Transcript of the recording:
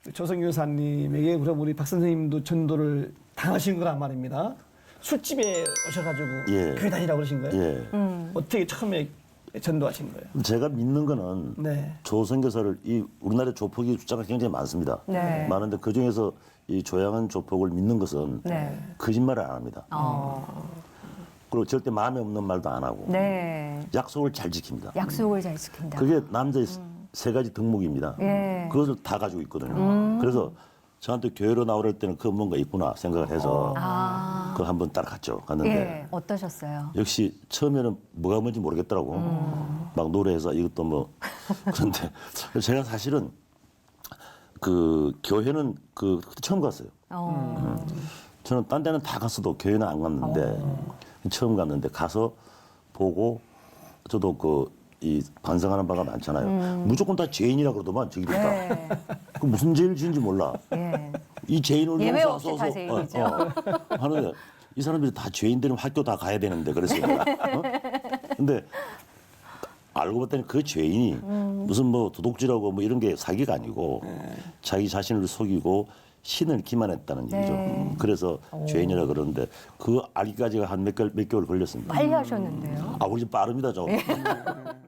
조성규 여사님에게 그럼 우리 박 선생님도 전도를 당하신 거란 말입니다. 술집에 오셔가지고 예. 교회 다니라고 그러신 거예요? 예. 어떻게 처음에 전도하신 거예요? 제가 믿는 거는 네. 조선교사를 이 우리나라에 조폭이 숫자가 굉장히 많습니다. 네. 많은데 그 중에서 이 조양한 조폭을 믿는 것은 네. 거짓말을 안 합니다. 어. 그리고 절대 마음에 없는 말도 안 하고 네. 약속을 잘 지킵니다. 약속을 잘 지킨다. 그게 남자의 세 가지 덕목입니다. 예. 그것을 다 가지고 있거든요. 그래서 저한테 교회로 나오랄 때는 그 뭔가 있구나 생각을 해서 아. 그걸 한번 따라갔죠. 갔는데 예. 어떠셨어요? 역시 처음에는 뭐가 뭔지 모르겠더라고. 막 노래해서 이것도 뭐 그런데 제가 사실은 그 교회는 그 그때 처음 갔어요. 저는 딴 데는 다 갔어도 교회는 안 갔는데 처음 갔는데 가서 보고 저도 그 이 반성하는 바가 많잖아요. 무조건 다 죄인이라 그러더만 저기들 다. 네. 그 무슨 죄를 지은지 몰라. 예. 이 죄인을 예외 용서하소서 없이 다 죄인이죠. 하는데 이 사람들이 다 죄인들은 학교 다 가야 되는데 그래서 근데 알고 봤더니 그 죄인이 무슨 뭐 도둑질하고 뭐 이런 게 사기가 아니고 자기 자신을 속이고 신을 기만했다는 얘기죠. 네. 그래서 죄인이라 그러는데 그 알기까지가 한 몇 개월 걸렸습니다. 빨리 하셨는데요. 아, 우리 좀 빠릅니다, 좀.